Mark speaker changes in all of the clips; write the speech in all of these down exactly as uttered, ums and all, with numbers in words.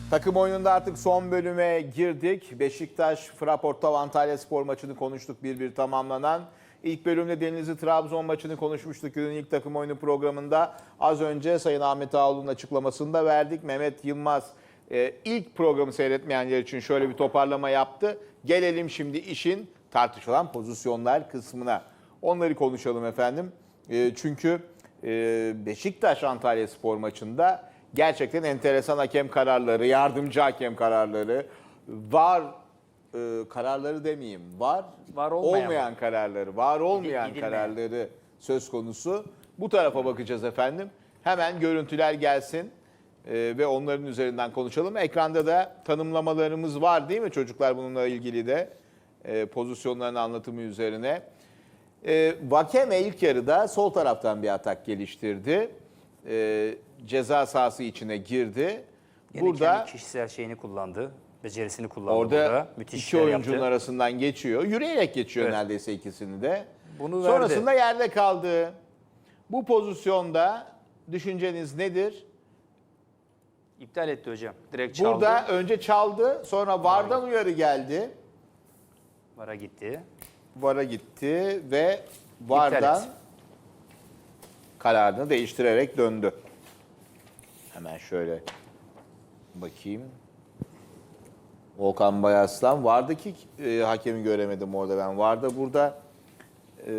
Speaker 1: Takım oyununda artık son bölüme girdik. Beşiktaş, Fraportav, Antalyaspor maçını konuştuk, bir bir tamamlanan. İlk bölümde Denizli Trabzon maçını konuşmuştuk günün ilk takım oyunu programında. Az önce Sayın Ahmet Ağaoğlu'nun açıklamasını da verdik. Mehmet Yılmaz e, ilk programı seyretmeyenler için şöyle bir toparlama yaptı. Gelelim şimdi işin tartışılan pozisyonlar kısmına. Onları konuşalım efendim. E, çünkü e, Beşiktaş Antalyaspor maçında gerçekten enteresan hakem kararları, yardımcı hakem kararları, var e, kararları demeyeyim, var,
Speaker 2: Var olmayan,
Speaker 1: olmayan kararları, var olmayan
Speaker 2: Gidilmeyen.
Speaker 1: kararları söz konusu. Bu tarafa bakacağız efendim. Hemen görüntüler gelsin e, ve onların üzerinden konuşalım. Ekranda da tanımlamalarımız var değil mi çocuklar, bununla ilgili de e, pozisyonların anlatımı üzerine. E, Vakeme ilk yarıda sol taraftan bir atak geliştirdi. E, ceza sahası içine girdi.
Speaker 2: Yine
Speaker 1: Burada
Speaker 2: kendi kişisel şeyini kullandı. Becerisini kullandı
Speaker 1: orada
Speaker 2: burada. Müthiş
Speaker 1: iki
Speaker 2: işler
Speaker 1: oyuncunun
Speaker 2: yaptı.
Speaker 1: arasından geçiyor. Yürüyerek geçiyor
Speaker 2: Evet.
Speaker 1: neredeyse ikisini de.
Speaker 2: Bunu
Speaker 1: Sonrasında
Speaker 2: verdi.
Speaker 1: yerde kaldı. Bu pozisyonda düşünceniz nedir?
Speaker 2: İptal etti hocam. Direkt çaldı.
Speaker 1: Burada önce çaldı, sonra VAR'dan uyarı geldi.
Speaker 2: Vara gitti.
Speaker 1: VAR'a gitti ve VAR'dan
Speaker 2: etti.
Speaker 1: kararını değiştirerek döndü. Hemen şöyle bakayım. Volkan Bayaslan. VAR'daki e, hakemi göremedim orada ben. VAR'da burada e,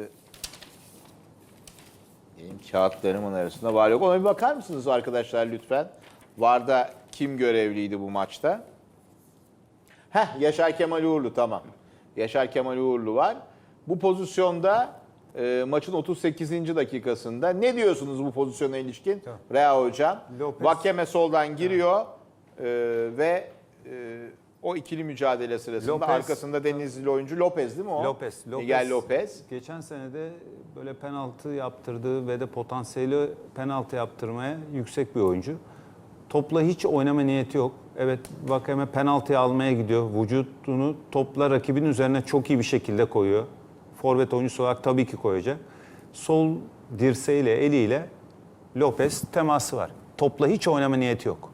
Speaker 1: benim kağıtlarımın arasında var yok. Ona bir bakar mısınız arkadaşlar lütfen? VAR'da kim görevliydi bu maçta? Heh, Yaşar Kemal Uğurlu, tamam. Yaşar Kemal Uğurlu var. Bu pozisyonda e, maçın otuz sekizinci dakikasında ne diyorsunuz bu pozisyona ilişkin?
Speaker 3: Tamam.
Speaker 1: Rea Hocam.
Speaker 3: Lopez.
Speaker 1: Vakeme soldan giriyor e, ve e, o ikili mücadele sırasında
Speaker 3: Lopez.
Speaker 1: arkasında Denizli oyuncu Lopez değil mi o?
Speaker 3: Lopez, Lopez.
Speaker 1: Miguel Lopez.
Speaker 3: Geçen sene de böyle penaltı yaptırdığı ve de potansiyeli penaltı yaptırmaya yüksek bir oyuncu. Topla hiç oynama niyeti yok. Evet, Vakeme penaltıyı almaya gidiyor. Vücudunu topla rakibin üzerine çok iyi bir şekilde koyuyor. Forvet oyuncusu olarak tabii ki koyacak. Sol dirseğiyle, eliyle Lopez teması var. Topla hiç oynama niyeti yok.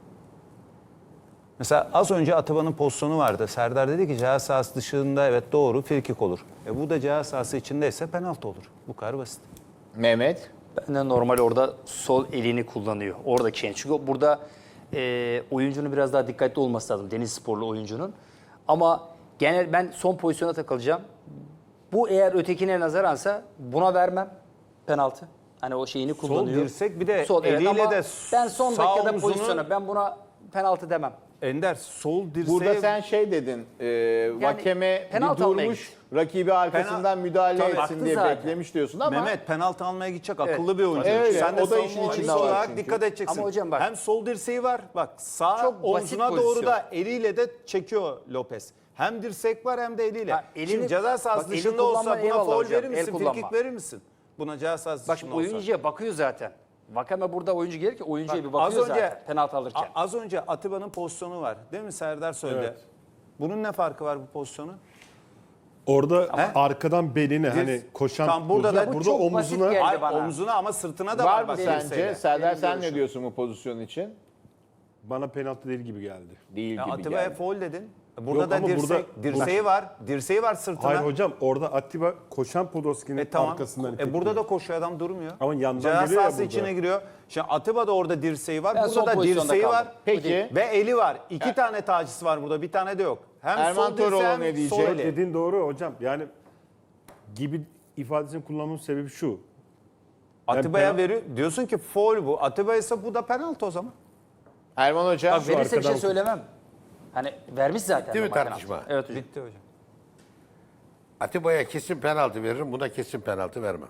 Speaker 3: Mesela az önce Atiba'nın pozisyonu vardı. Serdar dedi ki ceza sahası dışında evet doğru frikik olur. E bu da ceza sahası içindeyse penaltı olur. Bu kadar basit.
Speaker 1: Mehmet.
Speaker 2: Ben de normal orada sol elini kullanıyor. Oradaki şey. Çünkü burada e, oyuncunun biraz daha dikkatli olması lazım. Denizlisporlu oyuncunun. Ama genel ben son pozisyona takılacağım. Bu eğer ötekine nazaransa buna vermem penaltı. Hani o şeyini kullanıyor.
Speaker 3: Sol dirsek bir de
Speaker 2: Sol, evet,
Speaker 3: eliyle
Speaker 2: ama
Speaker 3: de
Speaker 2: ben son
Speaker 3: sağ
Speaker 2: dakikada
Speaker 3: omzunu-
Speaker 2: pozisyona ben buna penaltı demem.
Speaker 3: Ender sol dirseğe...
Speaker 1: Burada sen şey dedin, e, Vakeme bir
Speaker 2: penaltı almaya
Speaker 1: durmuş,
Speaker 2: gitti.
Speaker 1: rakibi arkasından
Speaker 3: Penal-
Speaker 1: müdahale
Speaker 3: Tabii.
Speaker 1: etsin
Speaker 2: Baktı
Speaker 1: diye
Speaker 2: zaten.
Speaker 1: beklemiş diyorsun ama
Speaker 3: Mehmet penaltı almaya gidecek
Speaker 2: Evet.
Speaker 3: akıllı bir oyuncu.
Speaker 1: Öyle,
Speaker 3: Sen de
Speaker 1: o da
Speaker 3: savunma
Speaker 1: işin
Speaker 3: oyuncusu
Speaker 1: içinde var
Speaker 3: olarak
Speaker 1: çünkü.
Speaker 3: dikkat edeceksin.
Speaker 2: Ama hocam bak-
Speaker 3: Hem sol dirseği var, bak sağ
Speaker 2: Çok basit
Speaker 3: omzuna doğru
Speaker 2: pozisyon.
Speaker 3: da eliyle de çekiyor Lopez. Hem dirsek var hem de eliyle.
Speaker 2: Ha, elini-
Speaker 3: Şimdi ceza sahası
Speaker 2: bak, eli
Speaker 3: dışında olsa
Speaker 2: kullanma
Speaker 3: buna
Speaker 2: eyvallah
Speaker 3: faul
Speaker 2: hocam,
Speaker 3: verir
Speaker 2: el
Speaker 3: misin?
Speaker 2: kullanma.
Speaker 3: Frikik verir misin? Buna ceza sahası
Speaker 2: Bak
Speaker 3: dışında olsa.
Speaker 2: oyuncuya bakıyor zaten. Vakame burada oyuncu gelir ki oyuncuya
Speaker 3: Bak,
Speaker 2: bir bakıyor
Speaker 3: az önce-
Speaker 2: zaten penaltı alırken.
Speaker 3: A- Az önce Atiba'nın pozisyonu var. Değil mi Serdar söyledi?
Speaker 4: Evet.
Speaker 3: Bunun ne farkı var bu pozisyonu?
Speaker 4: Orada
Speaker 3: He?
Speaker 4: arkadan beline hani koşan
Speaker 3: Tam burada da-
Speaker 4: burada,
Speaker 2: Bu çok basit
Speaker 4: omzuna
Speaker 2: geldi.
Speaker 3: Hayır,
Speaker 2: bana.
Speaker 3: omzuna ama sırtına da
Speaker 1: var
Speaker 3: var.
Speaker 1: mı
Speaker 3: bak
Speaker 1: sence?
Speaker 3: dirseğiyle.
Speaker 1: Serdar
Speaker 2: Benim
Speaker 1: sen ne
Speaker 2: görüşüm.
Speaker 1: diyorsun bu pozisyon için?
Speaker 4: bana penaltı değil gibi geldi.
Speaker 1: Değil
Speaker 3: Ya
Speaker 1: gibi
Speaker 3: Atiba'ya
Speaker 1: geldi.
Speaker 3: faul dedin. Burada
Speaker 4: Yok
Speaker 3: da
Speaker 4: ama
Speaker 3: dirsek,
Speaker 4: burada-
Speaker 3: dirseği var. Dirseği var sırtına.
Speaker 4: Hayır hocam orada Atiba koşan Podolski'nin
Speaker 3: E tamam.
Speaker 4: arkasından
Speaker 3: E
Speaker 4: itekliyor.
Speaker 3: burada da koşuyor adam durmuyor.
Speaker 4: Ama yandan
Speaker 3: Ceza
Speaker 4: geliyor ya
Speaker 3: sahası
Speaker 4: burada.
Speaker 3: içine giriyor. Şimdi Atiba da orada dirseği var.
Speaker 2: Ben
Speaker 3: burada
Speaker 2: son
Speaker 3: da
Speaker 2: pozisyonda
Speaker 3: dirseği
Speaker 2: kaldım.
Speaker 3: var.
Speaker 1: Peki.
Speaker 3: Ve eli var. İki tane tacisi var burada. Bir tane de yok. Hem
Speaker 1: Erman
Speaker 3: sol dirseği
Speaker 1: Toroğlu
Speaker 3: hem
Speaker 1: ne diyecek?
Speaker 3: sol eli.
Speaker 4: Dediğin doğru hocam. Yani gibi ifadesini kullanmamın sebebi şu.
Speaker 3: Atiba'ya
Speaker 4: penal-
Speaker 3: veriyor. Diyorsun ki faul bu. Atiba ise bu da penaltı o zaman.
Speaker 1: Erman Hocam.
Speaker 2: Bak verirse bir şey
Speaker 4: arkadan-
Speaker 2: söylemem. Hani vermiş zaten.
Speaker 5: Bitti mi
Speaker 2: normal
Speaker 5: tartışma?
Speaker 2: penaltı. Evet hocam.
Speaker 3: Bitti hocam.
Speaker 5: Atiba'ya kesin penaltı veririm, buna kesin penaltı vermem.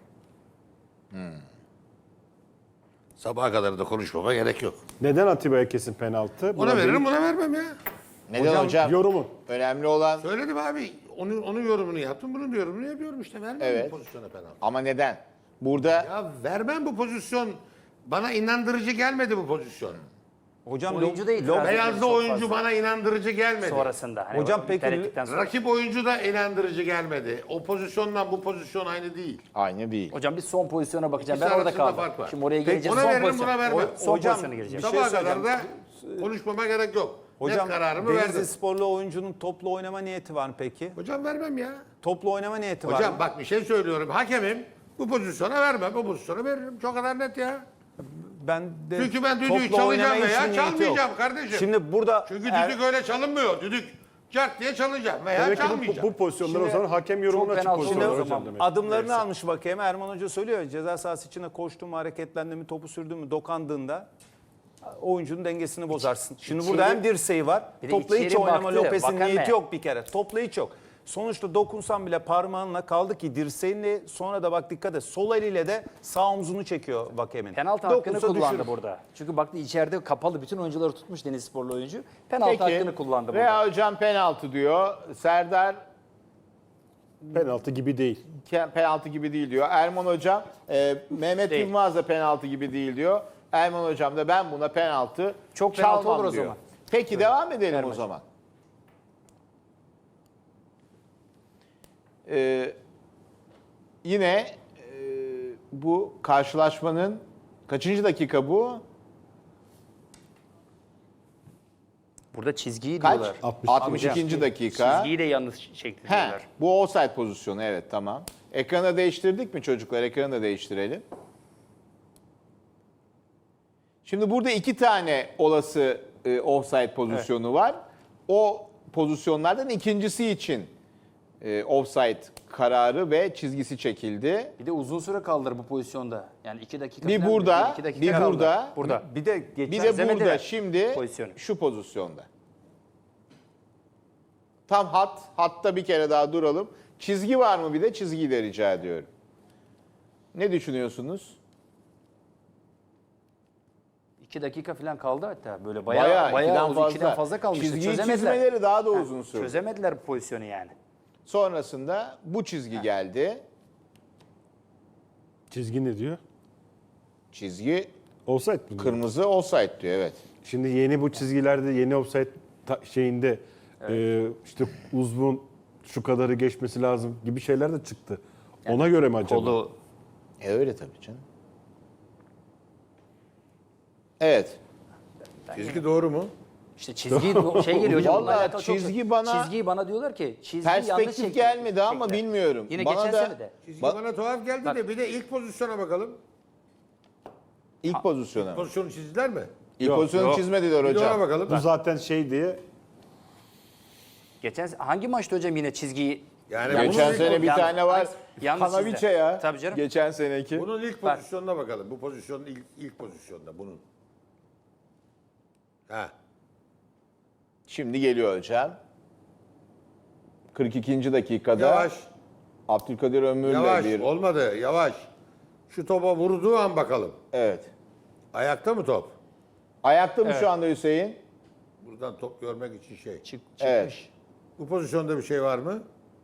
Speaker 5: Sabaha kadar da konuşmama gerek yok.
Speaker 4: Neden Atiba'ya kesin penaltı?
Speaker 5: Ona veririm, buna vermem ya.
Speaker 1: Neden hocam?
Speaker 4: Yorumun.
Speaker 1: Önemli olan
Speaker 5: Söyledim abi, onun, onun yorumunu yaptım, bunun yorumunu yapıyorum işte. Vermem
Speaker 1: Evet.
Speaker 5: bu pozisyona penaltı.
Speaker 1: ama neden? Burada
Speaker 5: Ya vermem bu pozisyon. Bana inandırıcı gelmedi bu pozisyon.
Speaker 3: Hocam
Speaker 2: Oyuncu
Speaker 3: lo-
Speaker 2: da itiraz
Speaker 3: lo-
Speaker 2: ediyor
Speaker 5: Beyazlı
Speaker 2: çok
Speaker 5: oyuncu
Speaker 2: fazla.
Speaker 5: bana inandırıcı gelmedi.
Speaker 2: Sonrasında. Hani
Speaker 3: Hocam
Speaker 2: o
Speaker 3: peki-
Speaker 2: iptal ettikten sonra.
Speaker 5: Rakip oyuncu da inandırıcı gelmedi. O pozisyondan bu pozisyon aynı değil.
Speaker 1: Aynı değil.
Speaker 2: Hocam bir son pozisyona bakacağım.
Speaker 5: İkisi
Speaker 2: Ben orada
Speaker 5: arasında
Speaker 2: kaldım.
Speaker 5: fark var.
Speaker 2: Şimdi oraya
Speaker 3: Peki,
Speaker 2: geleceğiz.
Speaker 5: ona
Speaker 2: Son
Speaker 5: veririm,
Speaker 2: pozisyon.
Speaker 5: buna vermem.
Speaker 2: O- Son
Speaker 3: Hocam,
Speaker 2: pozisyona gireceğim.
Speaker 3: bir şey
Speaker 5: Sabaha kadar
Speaker 3: söyleyeceğim.
Speaker 5: da konuşmama gerek yok.
Speaker 3: Hocam
Speaker 5: Net kararımı
Speaker 3: Denizli
Speaker 5: verdim.
Speaker 3: Sporlu oyuncunun toplu oynama niyeti var mı peki?
Speaker 5: Hocam vermem ya.
Speaker 3: Toplu oynama niyeti var
Speaker 5: Hocam
Speaker 3: mı?
Speaker 5: bak bir şey söylüyorum. Hakemim bu pozisyona vermem. Bu pozisyona veririm. Çok kadar net ya.
Speaker 3: Ben de
Speaker 5: Çünkü ben düdüğü
Speaker 3: toplu
Speaker 5: çalacağım
Speaker 3: oynama
Speaker 5: veya
Speaker 3: için niyeti yok.
Speaker 5: çalmayacağım kardeşim.
Speaker 3: Şimdi burada
Speaker 5: Çünkü
Speaker 3: er-
Speaker 5: düdük öyle çalınmıyor. Düdük cart diye çalacağım veya
Speaker 4: Demek ki
Speaker 5: çalmayacağım.
Speaker 4: bu, bu pozisyonlar o
Speaker 3: Şimdi
Speaker 4: zaman hakem yorumuna
Speaker 2: çok
Speaker 4: açık
Speaker 2: penaltı
Speaker 4: pozisyonlar
Speaker 2: oluyor o
Speaker 4: hocam
Speaker 2: zaman.
Speaker 4: demek.
Speaker 3: adımlarını almış bakayım. Erman Hoca söylüyor. Ceza sahası içine koştu mu, hareketlendi mi, topu sürdü mü, dokandığında oyuncunun dengesini bozarsın. Şimdi burada hem dirseği var.
Speaker 2: Bir de
Speaker 3: Topla hiç
Speaker 2: içeri
Speaker 3: oynama
Speaker 2: baktı,
Speaker 3: Lopez'in
Speaker 2: Vakame.
Speaker 3: niyeti yok bir kere. Topla hiç yok. Sonuçta dokunsan bile parmağınla kaldı ki dirseğinle sonra da bak dikkat et. Sol eliyle de sağ omzunu çekiyor Vakeme'nin.
Speaker 2: Penaltı hakkını
Speaker 3: Dokunsa
Speaker 2: kullandı
Speaker 3: düşürür.
Speaker 2: burada. Çünkü baktı içeride kapalı bütün oyuncuları tutmuş Denizli Sporlu oyuncu. Penaltı
Speaker 1: Peki.
Speaker 2: hakkını kullandı burada.
Speaker 1: Veya hocam penaltı diyor. Serdar
Speaker 4: Penaltı gibi değil.
Speaker 1: ke- penaltı gibi değil diyor. Erman hocam, e, Mehmet
Speaker 2: Değil.
Speaker 1: Yılmaz da penaltı gibi değil diyor. Erman hocam da ben buna penaltı
Speaker 2: Çok penaltı
Speaker 1: çalmam
Speaker 2: olur o
Speaker 1: diyor.
Speaker 2: zaman.
Speaker 1: Peki devam edelim
Speaker 2: Erman
Speaker 1: o zaman. Ee, yine e, bu karşılaşmanın kaçıncı dakika bu?
Speaker 2: Burada çizgiyi
Speaker 1: Kaç?
Speaker 2: diyorlar.
Speaker 4: altmış.
Speaker 1: altmış ikinci dakika.
Speaker 2: Çizgiyi de yanlış çekti
Speaker 1: He,
Speaker 2: diyorlar.
Speaker 1: bu offside pozisyonu, evet, tamam. Ekranı da değiştirdik mi çocuklar? Ekranı da değiştirelim. Şimdi burada iki tane olası e, offside pozisyonu var. O pozisyonlardan ikincisi için e, offside kararı ve çizgisi çekildi.
Speaker 2: Bir de uzun süre kaldır bu pozisyonda. Yani iki dakika
Speaker 1: Bir
Speaker 2: falan,
Speaker 1: burada,
Speaker 2: iki dakika
Speaker 1: bir
Speaker 2: kaldı.
Speaker 1: burada,
Speaker 2: Burada.
Speaker 3: Bir de geçen
Speaker 1: Bir de burada
Speaker 2: Çözemediler
Speaker 1: şimdi
Speaker 2: pozisyonu.
Speaker 1: şu pozisyonda. Tam hat, hatta bir kere daha duralım. Çizgi var mı, bir de çizgiyi de rica ediyorum. Ne düşünüyorsunuz?
Speaker 2: İki dakika falan kaldı hatta. Böyle bayağı
Speaker 1: Bayağı,
Speaker 2: bayağı,
Speaker 1: ikiden
Speaker 2: uzun,
Speaker 1: fazla.
Speaker 2: ikiden fazla kalmıştı.
Speaker 1: Çizgiyi
Speaker 2: Çözemediler.
Speaker 1: çizmeleri daha da uzun sürdü.
Speaker 2: Çözemediler bu pozisyonu yani.
Speaker 1: Sonrasında bu çizgi geldi.
Speaker 4: Çizgi ne diyor?
Speaker 1: Çizgi
Speaker 4: Offside mi diyor?
Speaker 1: kırmızı, offside diyor, evet.
Speaker 4: Şimdi yeni bu çizgilerde yeni offside ta- şeyinde e, işte uzvun şu kadarı geçmesi lazım gibi şeyler de çıktı. Ona göre mi acaba?
Speaker 2: Kolu
Speaker 1: E öyle tabii canım. Evet.
Speaker 5: Çizgi doğru mu?
Speaker 2: işte çizgi şey geliyor hocam. bununla
Speaker 1: Vallahi
Speaker 2: alakalı çok-
Speaker 1: çizgi bana-
Speaker 2: çizgiyi bana diyorlar ki çizgi yanlış
Speaker 1: Perspektif
Speaker 2: çekti.
Speaker 1: gelmedi ama
Speaker 2: çektiler.
Speaker 1: bilmiyorum.
Speaker 2: Yine
Speaker 1: Bana
Speaker 2: geçen
Speaker 1: da-
Speaker 2: sene de.
Speaker 5: Çizgi
Speaker 1: Bak-
Speaker 5: bana tuhaf geldi
Speaker 2: Bak-
Speaker 5: de bir de ilk pozisyona bakalım.
Speaker 1: İlk pozisyona.
Speaker 5: Pozisyonu çizdiler mi?
Speaker 1: İlk
Speaker 4: Yok,
Speaker 1: pozisyonu
Speaker 4: yok.
Speaker 1: çizmediler
Speaker 5: Bir de ona
Speaker 1: hocam.
Speaker 5: bakalım.
Speaker 4: Bu zaten şey diye
Speaker 2: Geçen hangi maçta hocam yine çizgiyi
Speaker 5: Yani
Speaker 2: yanlış-
Speaker 1: Geçen
Speaker 5: bunun
Speaker 1: sene
Speaker 5: ilk-
Speaker 1: bir
Speaker 2: yanlış-
Speaker 1: tane var.
Speaker 2: yanlış
Speaker 1: Kanaviçe
Speaker 2: çizdi.
Speaker 1: ya.
Speaker 2: Tabii canım.
Speaker 1: Geçen seneki.
Speaker 5: Bunun ilk
Speaker 2: Bak.
Speaker 5: pozisyonuna bakalım. Bu pozisyonun ilk, ilk pozisyonda bunun. Ha.
Speaker 1: Şimdi geliyor hocam. kırk ikinci dakikada
Speaker 5: Yavaş.
Speaker 1: Abdülkadir Ömür'le
Speaker 5: Yavaş.
Speaker 1: bir...
Speaker 5: Olmadı. Yavaş. Şu topa vurduğu an bakalım.
Speaker 1: Evet.
Speaker 5: Ayakta mı top?
Speaker 1: Ayakta mı şu anda Hüseyin?
Speaker 5: Buradan top görmek için şey.
Speaker 2: çık, çıkmış.
Speaker 1: Evet.
Speaker 5: Bu pozisyonda bir şey var mı?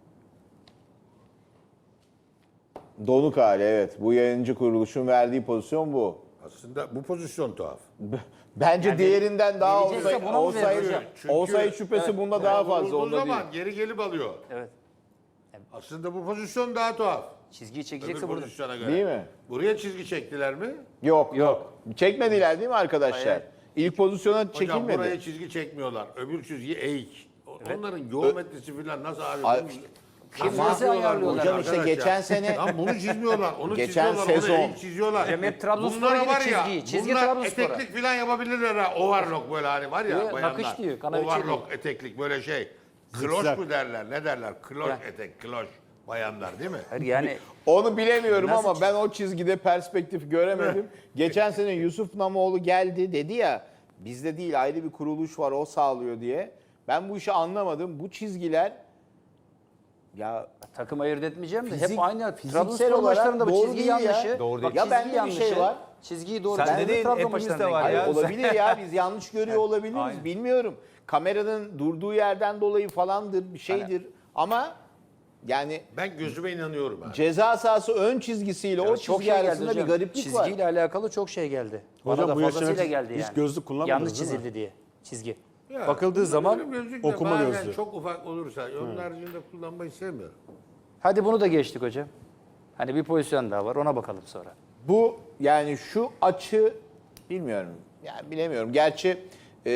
Speaker 1: Donuk hali, evet. Bu yayıncı kuruluşun verdiği pozisyon bu.
Speaker 5: Aslında bu pozisyon tuhaf.
Speaker 1: Bence
Speaker 2: Yani
Speaker 1: diğerinden daha
Speaker 2: verecekse
Speaker 1: olsaydı,
Speaker 2: buna mı
Speaker 1: olsaydı,
Speaker 2: verir
Speaker 5: Çünkü-
Speaker 1: olsaydı şüphesi bunda daha fazla.
Speaker 5: Vurduğu
Speaker 1: Onda değil.
Speaker 5: zaman geri gelip alıyor.
Speaker 2: Evet.
Speaker 5: Aslında bu pozisyon daha tuhaf.
Speaker 2: Çizgiyi
Speaker 5: Öbür
Speaker 2: çekecekse burada.
Speaker 5: pozisyona göre.
Speaker 1: Değil mi?
Speaker 5: Buraya çizgi çektiler mi?
Speaker 1: Yok yok. Çekmediler değil mi arkadaşlar?
Speaker 2: Hayır.
Speaker 1: İlk pozisyona
Speaker 5: Hocam
Speaker 1: çekilmedi.
Speaker 5: buraya çizgi çekmiyorlar. Öbür çizgi eğik. O- Onların geometrisi falan nasıl abi?
Speaker 1: Ay-
Speaker 5: Bunu-
Speaker 2: Kim
Speaker 5: Nasıl
Speaker 2: nasıl
Speaker 5: yapıyorlar
Speaker 2: ayarlıyorlar?
Speaker 5: bu
Speaker 1: Hocam işte
Speaker 5: arkadaş ya?
Speaker 1: geçen sene-
Speaker 5: Lan bunu çizmiyorlar. Onu
Speaker 1: Geçen
Speaker 5: çiziyorlar.
Speaker 1: sezon-
Speaker 5: Onu eğik çiziyorlar.
Speaker 2: Hocam hep Trabzonspor'a
Speaker 5: Bunlara
Speaker 2: göre
Speaker 5: var ya,
Speaker 2: çizgi. Çizgi
Speaker 5: bunlar
Speaker 2: Trabzonspor'a.
Speaker 5: eteklik falan yapabilirler ha. Overlock böyle hani var ya
Speaker 2: Diyor,
Speaker 5: bayanlar.
Speaker 2: nakış diyor, kanaviçe
Speaker 5: Overlock eteklik böyle şey. Kloş
Speaker 4: Zikzak.
Speaker 5: mu derler? Ne derler? Kloş
Speaker 2: Ya.
Speaker 5: etek, kloş. Bayanlar değil mi?
Speaker 2: Hayır yani
Speaker 1: Onu bilemiyorum
Speaker 2: Nasıl
Speaker 1: ama ben o çizgide perspektif göremedim. Geçen sene Yusuf Namoğlu geldi dedi ya, bizde değil ayrı bir kuruluş var o sağlıyor diye. Ben bu işi anlamadım. Bu çizgiler ya
Speaker 2: takım ayırt etmeyeceğim de
Speaker 1: Fizik-
Speaker 2: hep aynı.
Speaker 1: fiziksel
Speaker 2: Trabzonspor
Speaker 1: olarak
Speaker 2: maçlarında bu
Speaker 1: doğru
Speaker 2: çizgi
Speaker 1: değil ya.
Speaker 2: yanlışı.
Speaker 3: Doğru
Speaker 2: Bak,
Speaker 3: değil.
Speaker 1: Ya
Speaker 2: çizgi
Speaker 1: bende bir
Speaker 2: yanlışı,
Speaker 1: şey var.
Speaker 2: Çizgiyi doğru.
Speaker 3: Sende
Speaker 2: Ben de
Speaker 3: değil,
Speaker 2: Trabzon
Speaker 3: hepimizde
Speaker 2: maçlarından
Speaker 3: var
Speaker 2: geliyorum.
Speaker 3: ya.
Speaker 1: hayır, olabilir ya biz yanlış görüyor olabiliriz
Speaker 3: Aynen.
Speaker 1: bilmiyorum. Kameranın durduğu yerden dolayı falandır bir şeydir ama Yani
Speaker 5: Ben gözüme inanıyorum abi.
Speaker 1: ceza sahası ön çizgisiyle o
Speaker 2: Evet, çok
Speaker 1: çizgi
Speaker 2: şey geldi
Speaker 1: arasında bir
Speaker 2: hocam.
Speaker 1: gariplik var.
Speaker 2: Çizgiyle alakalı çok şey geldi.
Speaker 4: Hocam
Speaker 2: Bana da
Speaker 4: bu yaşına
Speaker 2: fazlasıyla
Speaker 4: hiç-
Speaker 2: geldi
Speaker 4: hiç
Speaker 2: yani.
Speaker 4: gözlük kullanmadınız
Speaker 2: Yanlış
Speaker 4: değil mi?
Speaker 2: çizildi diye çizgi.
Speaker 5: Ya,
Speaker 2: Bakıldığı zaman
Speaker 5: benim gözlükle
Speaker 4: okuma
Speaker 5: bazen
Speaker 4: gözlüğü.
Speaker 5: çok ufak olursa onun haricinde kullanmayı sevmiyorum.
Speaker 2: hadi bunu da geçtik hocam. Hani bir pozisyon daha var ona bakalım sonra.
Speaker 1: Bu yani şu açı bilmiyorum. Yani bilemiyorum. Gerçi